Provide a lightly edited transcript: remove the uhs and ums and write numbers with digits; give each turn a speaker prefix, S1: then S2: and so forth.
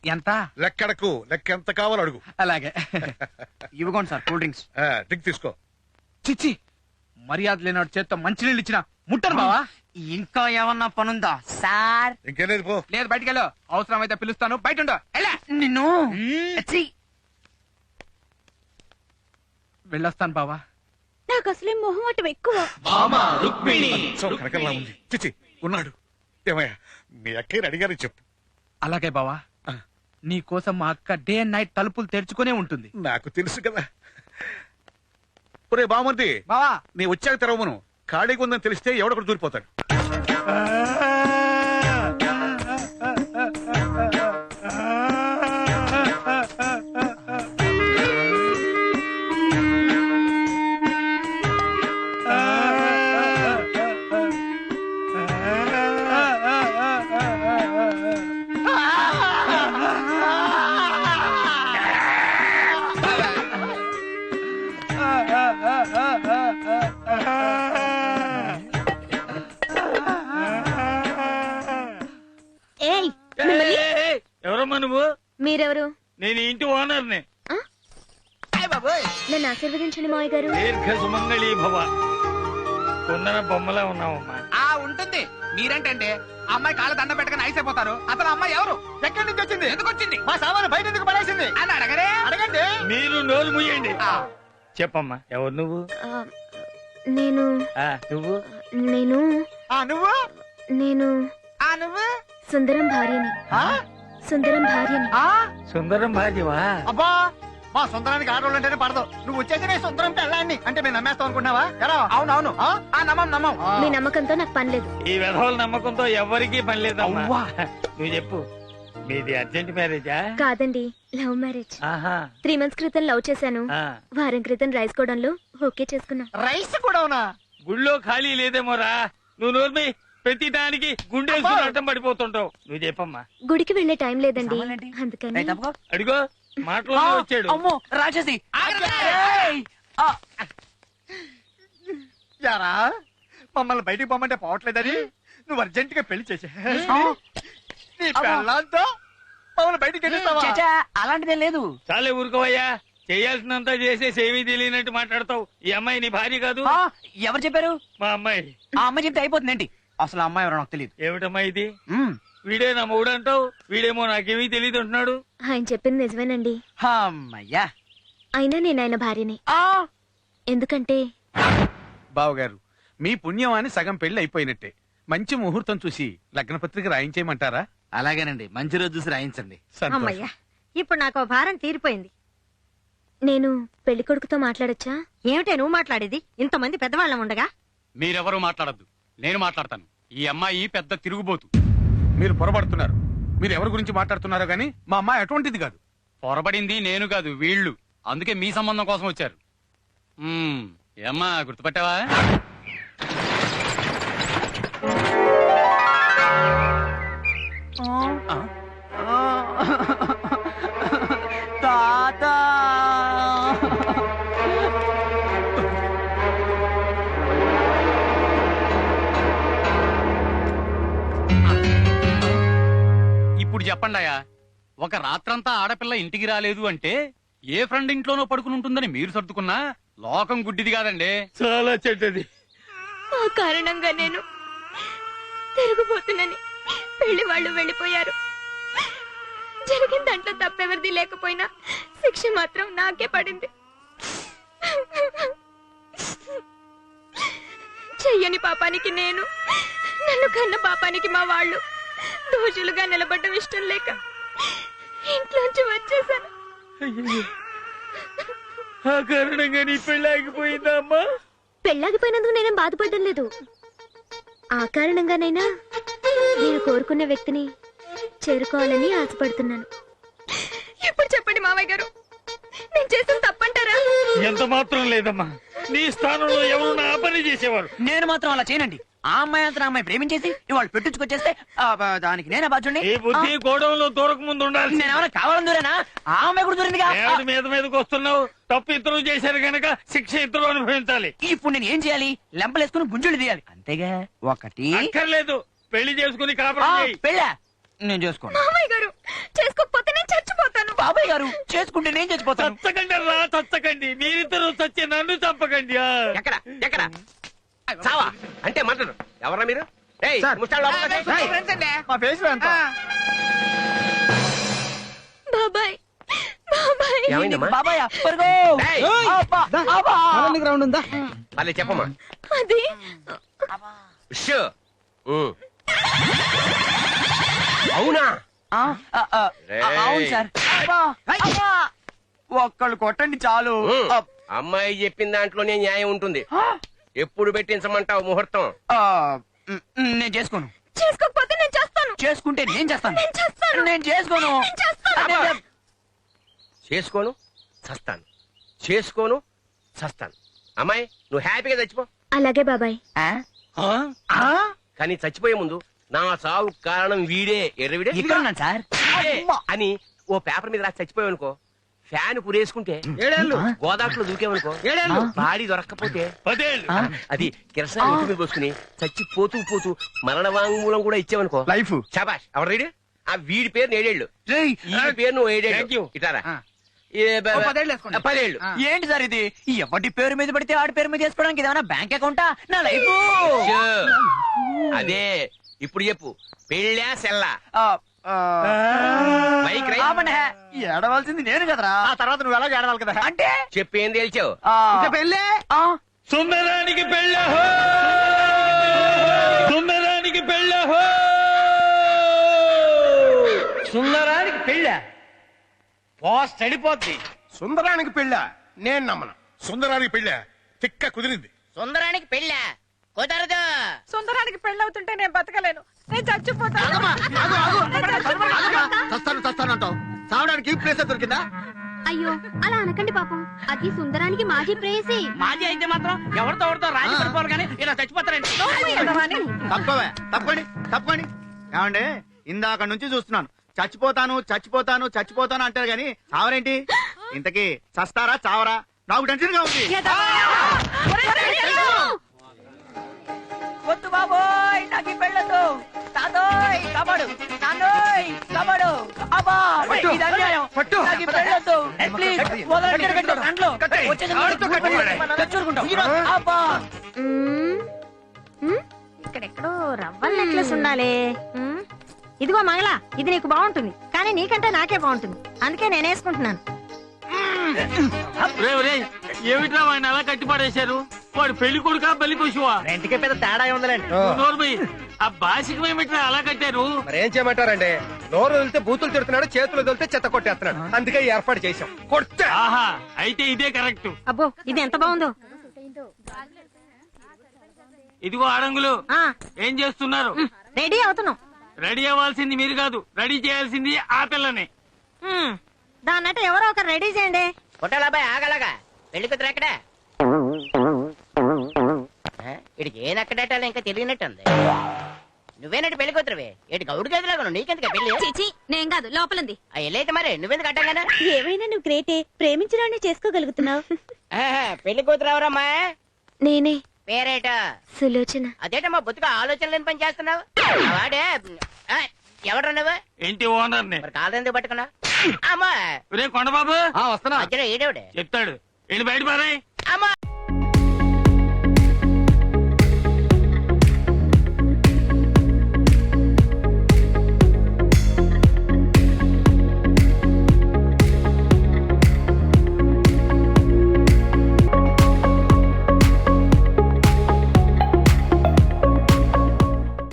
S1: ఎంత
S2: లెక్కడకు లెక్క ఎంత కావాలో అడుగు.
S1: అలాగే ఇవ్వకోండి సార్ కూల్ డ్రింక్స్.
S2: డ్రింక్ తీసుకో.
S1: చిచ్చి మర్యాద లేనాడు చేత్తో మంచినీళ్ళు ఇచ్చిన ముట్టను బావా.
S3: ఇంకా ఏమన్నా పనుందా సార్?
S2: ఇంకేలేదు పో.
S1: లేదు బయటికి వెళ్ళు, అవసరం అయితే పిలుస్తాను, బయట ఉండు.
S3: నిన్ను ఛీ!
S1: వెళ్ళొస్తాను బావా.
S4: నాకు అసలే మొహమాటం ఎక్కువ.
S2: కనకల్లా ఉంది. చిచి ఉన్నాడు. ఏమయ్యా మీ అక్కయ్యని అడిగారని చెప్పు.
S1: అలాగే బావా, నీ కోసం మా అక్క డే అండ్ నైట్ తలుపులు తెరుచుకునే ఉంటుంది.
S2: నాకు తెలుసు కదా. ఒరే బామంది
S1: బావా
S2: నీ వచ్చాక తెరవమను. ఖాళీగా ఉందని తెలిస్తే ఎవడొకడు దూరిపోతాడు.
S4: ఏయ్ మిమ్మల్ని-
S5: ఎవరమ్మా నువ్వు?
S4: మీరెవరు?
S5: నేను ఇంటి ఓనర్ని.
S4: నన్ను ఆశీర్వదించండి మావయ్య గారు.
S5: దీర్ఘ సుమంగళీ భవ. కొందన బొమ్మలా ఉన్నావమ్మా.
S1: ఉంటుంది. మీరేంటంటే అమ్మాయి కాళ్ళ దండ పెట్టగానే ఐస్ అయిపోతారు. అసలు అమ్మాయి ఎవరు, ఎక్కడి నుంచి వచ్చింది, ఎందుకు వచ్చింది, మా సామాను బయట ఎందుకు పడేసింది అని అడగరే. అడగండి.
S5: మీరు నోరు ముయ్యండి. చెప్పమ్మా ఎవరు నువ్వు?
S4: నేను
S5: నువ్వు
S4: నేను
S1: నువ్వు
S4: నేను
S1: నువ్వు
S4: సుందరం భార్యని. సుందరం భార్యని.
S5: సుందరం భార్యవా?
S1: అబ్బా మా సుందరానికి ఆడవాళ్ళు అంటేనే పడదు. నువ్వు వచ్చేసి నేను సుందరం పెళ్ళాన్ని అంటే మేము నమ్మేస్తాం అనుకున్నావా? అవునవును నమ్మం.
S4: మీ నమ్మకంతో నాకు పని లేదు.
S5: ఈ విధవల నమ్మకంతో ఎవరికీ పని లేదమ్మా.
S1: అవ్వా.
S5: నువ్వు చెప్పు, మీది అర్జెంట్ మ్యారేజా?
S4: కాదండి, లవ్ మ్యారేజ్.
S5: ఆహా.
S4: 3 months క్రితం లవ్ చేశాను. వారం క్రితం రైస్ గోడౌన్లో ఓకే చేసుకున్నా.
S1: రైస్ కూడా ఉన్నా
S5: గుళ్ళో ఖాళీ లేదేమోరా. నువ్వు నోర్మి, ప్రతి దానికి గుండె అడ్డం పడిపోతుంటావు. నువ్వు చెప్పమ్మా.
S4: గుడికి వెళ్లే టైం లేదండి, అందుకని.
S5: అడిగో మాటలో వచ్చాడు.
S3: అమ్మో రాక్షసి!
S1: యారా మమ్మల్ని బయటికి పోమంటే పోవట్లేదని నువ్వు అర్జెంట్ గా పెళ్లి చేసే నీ పెళ్ళాంతో మమ్మల్ని బయటికి వెళ్ళిస్తావా?
S3: అలాంటిదే లేదు.
S5: చాలే ఊరుకోవయ్యా. చేయాల్సినంతా చేసేసి ఏమీ తెలియనట్టు మాట్లాడతావు. ఈ అమ్మాయి నీ భార్య కాదు.
S3: ఎవరు చెప్పారు?
S5: మా అమ్మాయి.
S3: ఆ అమ్మాయి చెప్తే అయిపోతుందేంటి? అసలు ఆ అమ్మాయి ఎవరో నాకు తెలియదు.
S5: ఏమిటమ్మా ఇది? వీడే నా మొగుడు అంటావు, వీడేమో నాకేమీ తెలియదు అంటున్నాడు.
S4: ఆయన చెప్పింది నిజమేనండి.
S3: అమ్మయ్యా.
S4: అయినా నేను ఆయన భార్యని. ఎందుకంటే
S6: బావగారు మీ పుణ్యం అని సగం పెళ్లి అయిపోయినట్టే. మంచి ముహూర్తం చూసి లగ్న పత్రిక రాయించేయమంటారా?
S1: అలాగేనండి, మంచి రోజు చూసి రాయించండి.
S4: అమ్మయ్యా, ఇప్పుడు నాకు భారం తీరిపోయింది. నేను పెళ్లి కొడుకుతో మాట్లాడొచ్చా? ఏమిటే నువ్వు మాట్లాడేది? ఇంతమంది పెద్దవాళ్ళం ఉండగా.
S7: మీరెవరూ మాట్లాడద్దు, నేను మాట్లాడతాను. ఈ అమ్మాయి పెద్ద తిరుగుబోతు.
S6: మీరు పొరపడుతున్నారు. మీరు ఎవరి గురించి మాట్లాడుతున్నారో గానీ మా అమ్మాయి అటువంటిది కాదు.
S7: పొరబడింది నేను కాదు, వీళ్ళు. అందుకే మీ సంబంధం కోసం వచ్చారు. ఏమ్మా గుర్తుపట్టావా?
S3: తాతా
S7: ఇప్పుడు చెప్పండాయా, ఒక రాత్రంతా ఆడపిల్ల ఇంటికి రాలేదు అంటే ఏ ఫ్రెండ్ ఇంట్లోనో పడుకుని ఉంటుందని మీరు సర్దుకున్నా లోకం గుడ్డిది కాదండి.
S5: చాలా చెడ్డది.
S4: ఆ కారణంగా నేను తిరుగుబోతున్నని పెళ్లి వాళ్ళు వెళ్ళిపోయారు. జరిగిన దాంట్లో తప్పెవరిది లేకపోయినా శిక్ష మాత్రం నాకే పడింది. చెయ్యని పాపానికి నేను, నన్ను కన్న పాపానికి మా వాళ్ళు దోషులుగా నిలబడ్డం ఇష్టం లేక ఇంట్లోంచి వచ్చేసాను.
S5: ఆ కారణంగా నీ పెళ్లి ఆగిపోయిందా అమ్మా?
S4: పెళ్ళాగిపోయినందుకు నేనేం బాధపడడం లేదు. ఆ కారణంగానైనా నేను కోరుకున్న వ్యక్తిని చేరుకోవాలని ఆశపడుతున్నాను. ఇప్పుడు చెప్పండి మావయ్య గారు, నేను చేసిన తప్పంటారా?
S5: ఎంత మాత్రం లేదమ్మా. నీ స్థానంలో ఎవరు నా పని చేసేవారు.
S3: నేను మాత్రం అలా చేయనండి. ఆ అమ్మాయి అంతా అమ్మాయి ప్రేమించేసి ఇవాళ పెట్టించుకొచ్చేస్తే దానికి నేనే బాధ్యుడిని.
S5: ఈ బుద్ధి గోడంలో దూరక ముందు ఉండాలి.
S3: నేనేమన్నా కావాలని దూరేనా? ఆ అమ్మాయి కూడా దూరిందిగా.
S5: మీద మీదకి వస్తున్నావు. తప్పు ఇద్దరు చేశారు గనక శిక్ష ఇద్దరు అనుభవించాలి.
S3: ఇప్పుడు నేను ఏం చేయాలి? లెంపలేసుకుని గుంజులు తీయాలి అంతేగా. ఒకటి
S5: అక్కర్లేదు, పెళ్లి చేసుకుని కాపురం చేయి.
S3: పెళ్ళా? నేను చేసుకోను.
S4: మామయ్య గారు చేసుకోకపోతే నేను చచ్చిపోతాను.
S3: బాబాయ్ గారు చేసుకుంటే నేను చచ్చిపోతాను.
S5: చచ్చకండి రా చచ్చకండి, మీరిద్దరు చచ్చి నన్ను చంపకండి.
S1: ఎక్కడ ఎక్కడ చావా అంటే మంటరు ఎవరా మీరు? ఏయ్, ముష్టాలు లోపలికి వచ్చేయ్.
S6: మా ఫేస్ లో ఎంత
S4: బాబాయ్ బాబాయ్
S1: ఏమైందమ్మా?
S3: బాబాయ్ పరుగో.
S1: ఏయ్,
S3: అబ్బా, అబ్బా.
S6: గ్రౌండ్ ఉందా?
S1: పర్లేదు చెప్పమ్మా.
S4: అది
S1: షూ. అవునా?
S3: ఆ, ఆ, ఆ, అవును సార్. అబ్బా, అబ్బా. ఒక్కళ్ళు కొట్టండి చాలు. అబ్-
S1: అమ్మాయి చెప్పిన దాంట్లోనే న్యాయం ఉంటుంది. ఎప్పుడు పెట్టించమంటావు ముహూర్తం?
S3: ఆ, నేను చేసుకోను.
S4: చేసుకోకపోతే నేను చేస్తాను.
S3: చేసుకుంటే నేను చేస్తాను.
S4: నేను చేస్తాను.
S3: నేను చేసుకోను.
S4: నేను చేస్తాను.
S3: నేను-
S1: చేసుకోను చస్తాను, చేసుకోను చస్తాను. అమ్మాయి నువ్వు హ్యాపీగా చచ్చిపో.
S4: అలాగే బాబాయ్.
S3: ఆ?
S5: ఆ?
S3: ఆ?
S1: కానీ చచ్చిపోయే ముందు నా చావు కారణం వీడే ఎర్రవిడే
S3: ఇక్కడ ఉన్నాను సార్.
S1: వీడే అని ఓ పేపర్ మీద రాసి చచ్చిపోయావు అనుకో, ఫ్యాన్ పురేసుకుంటే గోదాట్లో దూకేవనుకో, బాడీ దొరక్కపోతే
S5: 10 ఏళ్ళు.
S3: ఆ?
S1: అది కిరసన ఇంటి మీద పోసుకుని చచ్చి పోతూ పోతూ మరణ వాంగ్మూలం కూడా ఇచ్చావనుకో
S6: లైఫ్
S1: శాబాష్. ఎవరు రీడు? ఆ వీడి పేరు 7 ఏళ్ళు,
S3: రేయ్,
S1: ఈ పేరు నువ్వు 7
S5: Thank you.
S1: ఏళ్ళు. ఇటారా
S6: ఆ. ఓ 10 ఏళ్ళు వేసుకోండి.
S1: 10 ఏళ్ళు.
S3: ఏంటి సార్ ఇది? ఎవరి పేరు మీద పడితే ఆడి పేరు మీద చేసుకోవడానికి ఏమైనా బ్యాంక్ అకౌంటా? నా లైఫ్.
S1: షూ. అదే ఇప్పుడు చెప్పు, పెళ్ళా సెల్లా? బైక్ రై
S3: ఏడవలసింది నేను కదరా.
S6: ఆ తర్వాత నువ్వు ఎలా ఏడవాలి కదా?
S3: అంటే
S1: చెప్పేం తేల్చావు?
S3: ఆ,
S6: ఇంకా పెళ్ళే.
S3: ఆ,
S5: సుందరానికి పెళ్ళహో, సుందరానికి పెళ్ళహో. సుందరానికి పెళ్ళ పోస్ట్ అడిపోద్ది.
S2: సుందరానికి పెళ్ళా? నేను నమ్మను. సుందరానికి పెళ్ళా? తిక్క కుదిరింది.
S8: సుందరానికి పెళ్ళ కుదరదు.
S4: సుందరానికి పెళ్ళవుతుంటే నేను బతకలేను. నేను చచ్చిపోతాను.
S6: చస్తాను అంటావు. చావడానికి ప్లేస్ దొరికిందా?
S4: అయ్యో అలా అనకండి పాపం. అది సుందరానికి మాజీ ప్రేయసి.
S3: మాజీ అయితే మాత్రం ఎవరితో ఎవరితో రాజీ పడిపోవాలి కానీ ఇలా చచ్చిపోతారండి.
S6: తప్పండి ఏమండి, ఇందాక నుంచి చూస్తున్నాను చచ్చిపోతాను అంటారు గాని చావరేంటి? ఇంతకీ చస్తారా చావరా? నాకు టెన్షన్ గా ఉంది.
S3: వద్దు బాబోయ్, నాకు పెళ్ళదు. తాతోయ్ కబడు, నాన్నోయ్ కబడు. అబ్బా,
S6: పట్టు,
S3: ఇది అన్యాయం.
S6: పట్టు.
S3: నాకు పెళ్ళొద్దు. ప్లీజ్, వాలంటీర్
S6: కట్టు,
S3: కట్టు, దాంట్లో.
S6: కట్టు.
S3: వచ్చేసి
S6: ఆడుతూ కట్టు.
S3: తెచ్చుకుంటాం. అబ్బా,
S9: ఇక్కడెక్కడో రవ్వల నెక్లెస్ ఉండాలి. ఇదిగో మంగళ, ఇది నీకు బాగుంటుంది కానీ నీకంటే నాకే బాగుంటుంది, అందుకే నేను వేసుకుంటున్నాను.
S5: ఏమిట్రా ఆయన అలా కట్టిపడేశారు? వాడు పెళ్లి కొడుకా పెళ్లి పశువా?
S1: ఇంటికే పెద్ద తేడా ఉందిలేండి.
S5: నోర్మై, ఆ బాసికం ఏమిట్రా అలా కట్టారు?
S1: మరి ఏం చేయమంటారండి? నోరు వదిలితే బూతులు తిడుతున్నాడు, చేతులు వదిలితే చెత్త కొట్టేస్తున్నాడు. అందుకే ఈ ఏర్పాటు చేశాం. కొట్టే
S5: ఆహా, అయితే ఇదే కరెక్ట్.
S9: అబ్బో ఇది ఎంత బాగుందో.
S5: ఇదిగో ఆడంగులు,
S9: ఆ
S5: ఏం చేస్తున్నారు?
S9: రెడీ అవుతున్నాం.
S5: రెడీ అవ్వాల్సింది మీరు కాదు, రెడీ చేయాల్సింది ఆ పిల్లని.
S9: దాన్నట్టు ఎవరో ఒకరు రెడీ చేయండి.
S8: పుట్టాలబ్బాయి ఆగలగా పెళ్లి కూతురు ఎక్కడా? ఇడికి ఏది అక్కడేటాలో ఇంకా తెలియనట్టుంది. నువ్వేనట్టు పెళ్లి కూతురువే? ఇటు గౌడు గదిలాగా నీకెందుకు పెళ్లి?
S4: చిచి నేను కాదు, లోపలుంది.
S8: ఎల్లైతే మరి నువ్వెందుకు అడ్డంగానా?
S4: ఏమైనా నువ్వు గ్రేటే, ప్రేమించడాన్ని చేసుకోగలుగుతున్నావు.
S8: పెళ్లి కూతురు ఎవరమ్మా?
S4: నేనే,
S8: పేరేట?
S4: సులోచన.
S8: అదేటమ్మా బొత్తుగా ఆలోచన లేని పని చేస్తున్నావు. వాడే ఎవరు నువ్వు?
S5: ఇంటి ఓనర్ని.
S8: మరి కాదెందుకు పట్టుకున్నావు? అమ్మా
S5: రే కొండబాబు,
S6: వస్తున్నా.
S8: మధ్యలో ఏడేవిడే
S5: చెప్తాడు. వెళ్ళి బయట పారాయ్.
S8: అమ్మా